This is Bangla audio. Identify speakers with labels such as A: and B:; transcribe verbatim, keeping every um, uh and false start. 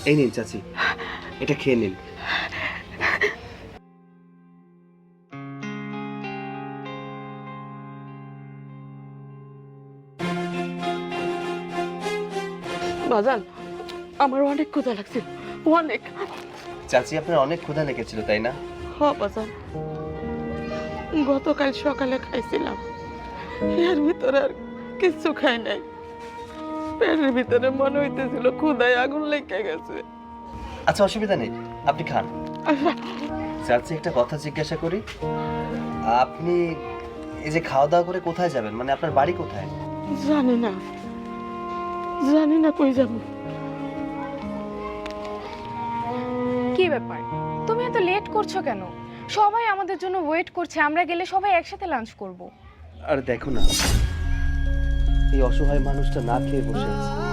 A: এই নিন চাচি, এটা খেয়ে নিন।
B: বাজান, আমার অনেক ক্ষুধা লাগছে, অনেক।
A: চাচি আপনার অনেক ক্ষুধা লেগেছিল তাই না?
B: হ বাজান, গতকাল সকালে খাইছিলাম, এর ভিতরে আর কিছু খাই নাই। পেটের ভিতরে মনে হইতেছিল ক্ষুধায় আগুন লেগে গেছে।
A: আচ্ছা অসুবিধা নেই, আপনি খান। চাচি একটা কথা জিজ্ঞাসা করি, আপনি এই যে খাওয়া দাওয়া করে কোথায় যাবেন, মানে আপনার বাড়ি কোথায়?
B: জানি না, জানি না কই যাব।
C: কি ব্যাপার, তুমি এত লেট করছো কেন? সবাই আমাদের জন্য ওয়েট করছে, আমরা গেলে সবাই একসাথে লাঞ্চ করব।
A: আর দেখো না, এই অসহায় মানুষটা না খেয়ে বসে আছে।